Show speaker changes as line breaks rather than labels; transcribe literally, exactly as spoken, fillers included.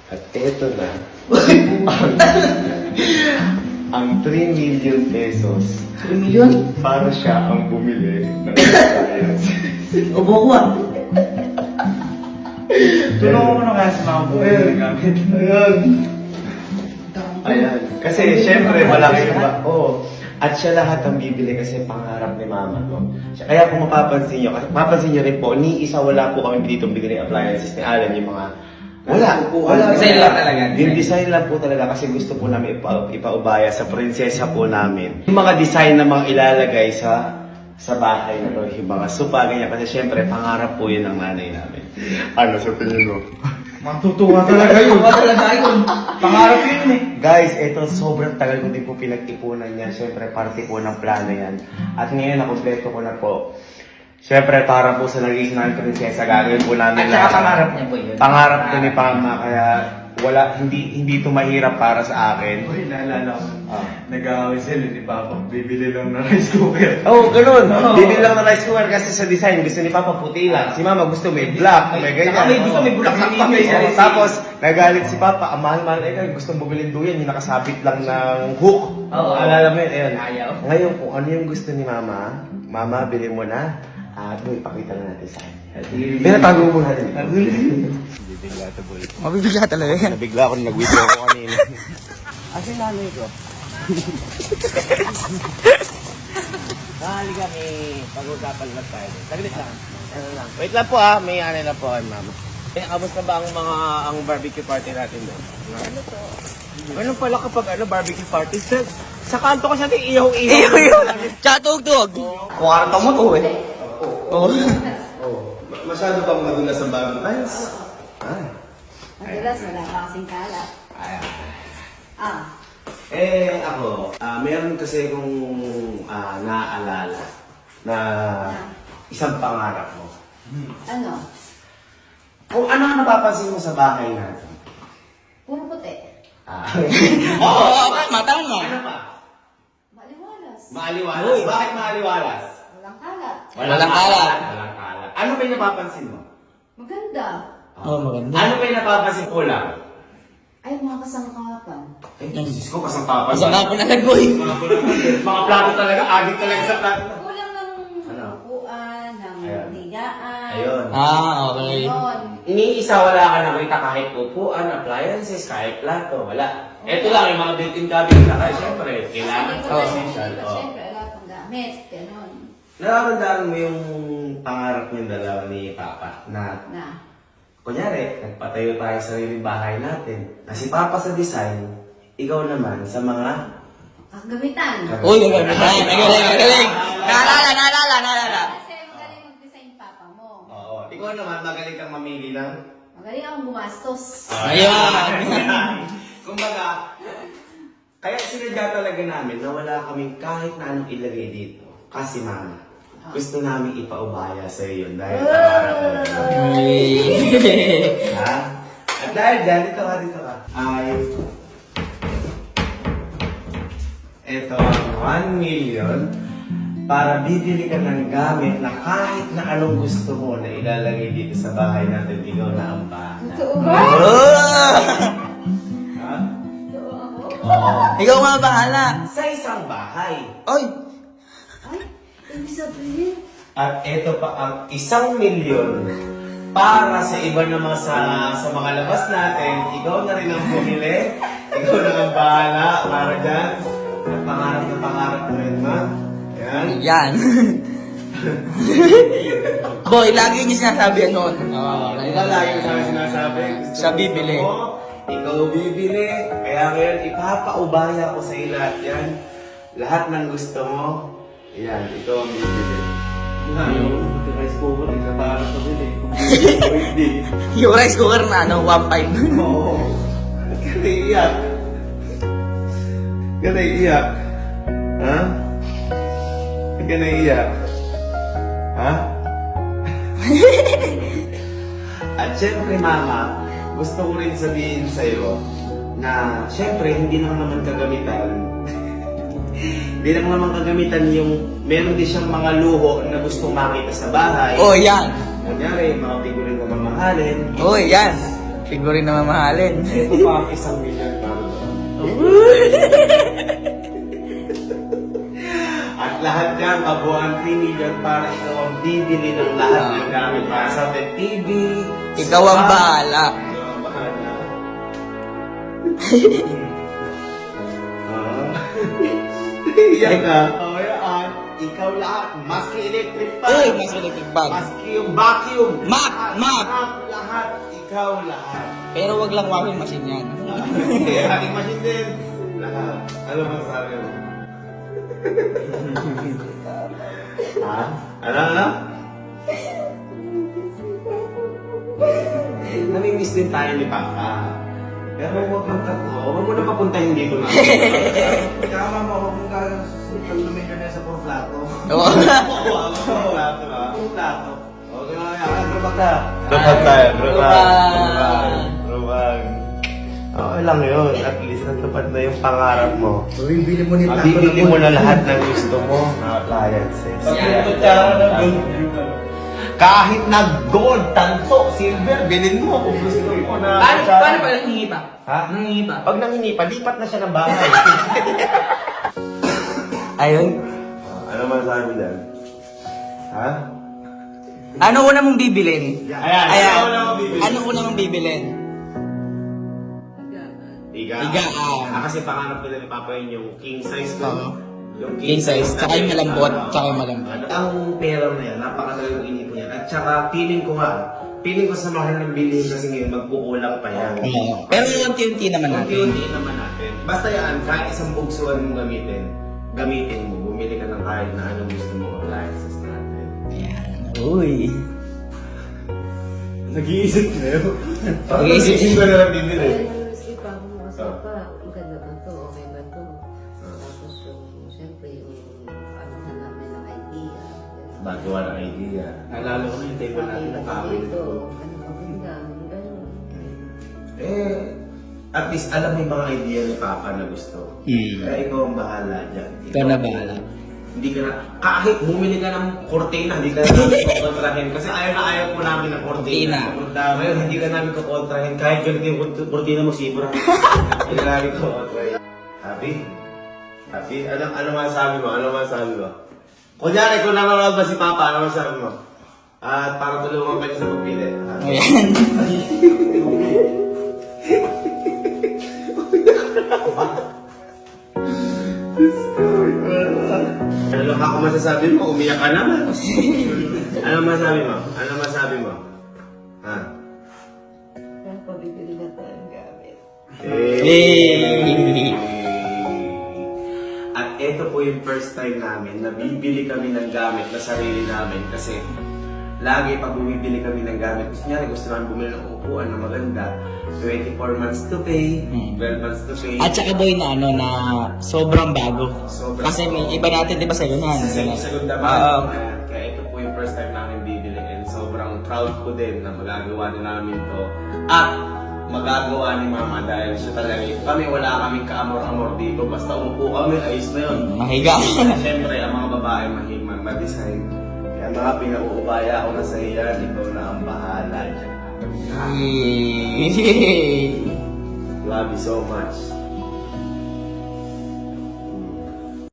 At eto na, ang, ang three million pesos
three million?
para siya ang bumili ng appliance.
Ubo ko ah.
Tulungan mo na kaya sa mga buhay na gamit.
Ayan. Ayan. Kasi syempre, malaki yung ba? Oo. At siya lahat ang bibili kasi pangarap ni mama, no? Kaya kung mapapansin nyo, kasi mapapansin nyo rin po, ni isa wala po kami dito bigay ng appliances ni Alan, yung mga wala. Wala.
Design lang talaga.
Yung design lang po talaga kasi gusto po namin ipa, ipaubaya sa prinsesa po namin. Yung mga design na mga ilalagay sa sa bahay na to, yung mga sopa, ganyan. Kasi syempre, pangarap po yun ng nanay namin. Ano sa tingin mo?
Matutuwa talaga yun.
Ubo talaga yun.
Pangarap yun eh.
Guys, ito sobrang tagal ko din po pinag-ipunan niya. Syempre, parte po ng plano yan. At ngayon, nakompleto ko na po. Syempre, para po sa naging ng prinsesa, gagawin po namin
At saka pangarap niya po yun.
Pangarap ko ni Pama, kaya wala, hindi hindi ito mahirap para sa akin.
Uy, naalala ko.
Ah.
Nag-aaway sila ni Papa. Bibili lang ng rice cooker.
Oo, oh, ganun.
Oo.
Bibili lang ng rice cooker kasi sa design, gusto ni Papa puti lang. Si Mama gusto may black, may ganyan.
Saka may gusto may bulaklak pa, may
Oo,
sarili.
tapos, nagalit si Papa, ang mahal-mahal eh, gustong bumili duyan, yung nakasabit lang ng hook.
Oo.
Alala mo yun, ayun.
Ayaw.
Ngayon, kung ano yung gusto ni Mama, Mama, bili mo na. Ah, doon, ipakita na natin sa kanya. Pero tago mo natin. Bibigla ito, boy.
Mabibigla talaga yan.
Nabigla ako nung nag-video ko kanina. Asa yung nanay ko? Nakali kami, pag-usapan lang tayo. Saglit lang. Ano lang. Wait lang po ah, may ano lang po kay mama. Eh, kamusta ba ang mga ang barbecue party natin doon? Ano to? Ano pala kapag ano barbecue party? Sa, sa kanto ko siya natin iyaw-iyaw.
Iyaw-iyaw. Tsaka tugtog. Kwarto mo to eh. Oo.
Oh, masyado bang madulas ang Valentine's? Ah.
Madalas wala pa kasing kalat.
Ayan.
Ah,
Eh, ako, ah meron kasi kung ah, naaalala na isang pangarap mo.
ano?
Kung ano ang napapansin mo sa bahay natin?
Puro puti.
Ah.
Oo, oo, matang mo.
Ano pa?
Maliwalas.
Maaliwalas.
Uy.
Bakit maaliwalas?
Walang kalat.
Walang kalat.
Walang kalat. Ano ba yung napapansin mo?
Maganda.
Oo, maganda.
Ano ba yung napapansin ko lang?
Ay, mga kasangkapan.
Ay, Diyos ko, kasang papan.
Isang nga po nalagoy.
Mga plato talaga, agit talaga sa plato.
Kulang ng
Ano?
upuan, ng
Ayun.
higaan.
Ayun.
Ah, okay.
Ayun.
Iniisa wala ka nakita kahit upuan, appliances, kahit plato, wala. Ito lang yung mga built-in cabinet na kaya syempre, kailangan
Kasi
ko
oh.
essential. Oh.
Siyempre, wala pang gamit. Ganon.
Nararamdaman mo yung pangarap niyong dalawa ni Papa na,
Na.
kunyari, nagpatayo tayo sa sariling bahay natin. Na si Papa sa design, ikaw naman sa mga...
Kagamitan.
Uy, nagagaling, nagaling, nagaling. Naalala, naalala, naalala.
Kasi magaling mag-design papa mo.
Oo. Ikaw naman, magaling kang mamili ng...
Magaling akong gumastos.
Ayan.
Kumbaga, kaya sinadya talaga namin na wala kaming kahit na anong ilagay dito. Kasi mama, gusto namin ipaubaya sa iyo yun dahil pangarap mo. Ha? At dahil dyan, dito ka, dito ka. Ay, ito ang one million para bibili ka ng gamit na kahit na anong gusto mo na ilalagay dito sa bahay natin, ikaw na ang bahala.
Totoo ba?
Ha?
Totoo ako?
Oo.
Ikaw nga bahala.
Sa isang bahay.
Oy.
Ay, ibig sabihin.
At ito pa ang isang milyon para sa iba naman sa sa mga labas natin. Ikaw na rin ang bumili. Ikaw na ang bahala para dyan. At pangarap na pangarap mo rin, ma. Yan.
Yan. Boy, lagi niya sinasabi yan noon. Oo,
Ikaw lagi sa akin sinasabi. gusto
Siya
mo,
bibili.
gusto mo, Ikaw bibili. Kaya ngayon, ipapaubaya ko sa iyo lahat yan. Lahat ng gusto mo, yan, ikaw ang bibili.
Yung rice cooker, isa para sa bili. Hindi.
Yung rice cooker na ano, one five.
Oo. Ba't ka naiiyak? Ba't ka naiiyak? Ha? Ba't ka naiiyak? Ha? At syempre, mama, gusto ko rin sabihin sa'yo na syempre, hindi lang naman kagamitan. Hindi lang naman kagamitan yung meron din siyang mga luho na gustong makita sa bahay.
Oh, yan.
Kunyari, mga figurine na mamahalin.
Oh, yan. Siguro na mamahalin.
Ito pa ang isang milyon para doon. At lahat yan, kabuuan three million para ikaw ang bibili ng lahat ng gamit para sa atin. T V,
Ikaw ang
sofa.
bahala.
Ikaw ang bahala. Ah. Iyak ka. Oh, yan. Ikaw lahat. Maski electric fan.
Uy, mas electric bag.
Maski yung vacuum.
Map,
Lahat,
map.
lahat, lahat. Ikaw lahat.
Pero wag lang washing machine yan.
Hindi, ating machine din. Lahat. Ano ba sabi mo? ha? Ano, ano? Namimiss din tayo ni Papa. Pero huwag kang tatlo. Huwag mo na papuntahin dito na.
Kama mo, huwag mong kagasipan lumilyon na sa puro plato.
Oo.
Huwag mo plato ha. Puro plato. Okay na yan. Drupag na. Drupag tayo.
Drupag.
Drupag. Okay lang yun. At least natupad na yung pangarap mo.
So, bibili mo ni plato
Mabibili mo na lahat ng gusto mo na appliances. Kahit na gold, tanso, silver, bilhin mo kung gusto mo na.
Paano, paano pa nangingi pa?
Ha?
Nangingi pa?
Pag nangingi pa, lipat na siya ng bahay.
Ayun.
Ano masabi dyan? Ha?
Ano una mong bibilin?
Ayan,
Ayan.
ano una mong bibilin?
Ano una mong bibilin?
Iga.
Iga, ah.
Ah, kasi pangarap nila ni Papa yun yung king size ko.
Oo.
Yung
King size, tsaka yung malambot, tsaka yung malambot.
Ang pera na yan, napakalagang inipon yan. At tsaka, feeling ko nga, feeling ko sa mahal ng bilhin kasi ngayon, magkukulang pa yan.
Oo. Pero unti-unti naman natin.
Unti-unti naman natin. Basta yan, kahit isang bugsuan mong gamitin, gamitin mo, bumili ka ng kahit na anong gusto mong appliances natin.
Ayan. Uy.
Nag-iisip na yun.
Nag-iisip.
Nag-iisip ko na lang bibili.
Kaya si Papa mo kasi pa, maganda ba to? Okay ba to? Tapos yung, siyempre, yung ano na namin ng idea.
Bagawa ng idea.
Nalala ko na yung table natin na kami.
Ito, ano maganda, gano'n.
Eh, at least alam mo yung mga idea ni Papa na gusto.
Hmm.
Kaya ikaw ang bahala dyan.
Ikaw na bahala.
Hindi ka na, kahit bumili ka ng kortina, hindi ka na namin kukontrahin. Kasi ayaw na ayaw po namin ng kortina.
Kortina.
Ngayon, hindi ka namin kukontrahin. Kahit ganito yung kort- kortina mo, sibra. Hindi ka namin kukontrahin. Happy? Happy? Ano, ano masasabi mo? Ano masasabi mo? Kunyari, kung nanonood ba si Papa, ano masasabi mo? At para tulungan ka niya sa pagpili. Ha?
Ayan.
Ano lang ako masasabi mo? Umiyak ka naman. Ano masasabi mo? Ano masasabi mo? Ha?
Kaya pabibili na tayong gamit.
Hey.
At ito po yung first time namin na bibili kami ng gamit na sarili namin kasi lagi pag bumibili kami ng gamit, gusto niya, gusto namin bumili ng upuan na maganda, twenty-four months to pay,
Hmm.
twelve months to pay.
At saka boy na ano na sobrang bago.
Sobrang
Kasi may iba natin, di ba sa'yo na?
Sa sa segunda
Oo.
man. Ayan, kaya ito po yung first time namin bibili and sobrang proud ko din na magagawa din namin to. At magagawa ni Mama dahil siya talaga, kami wala kaming kaamor-amor dito. Basta umupo kami, ayos na yun.
Mahiga.
Siyempre, ang mga babae mahiman, ma-design. Kaya mga pinauubaya ako na sa iyan, ikaw na ang bahala dyan.
Yay.
Love you so much.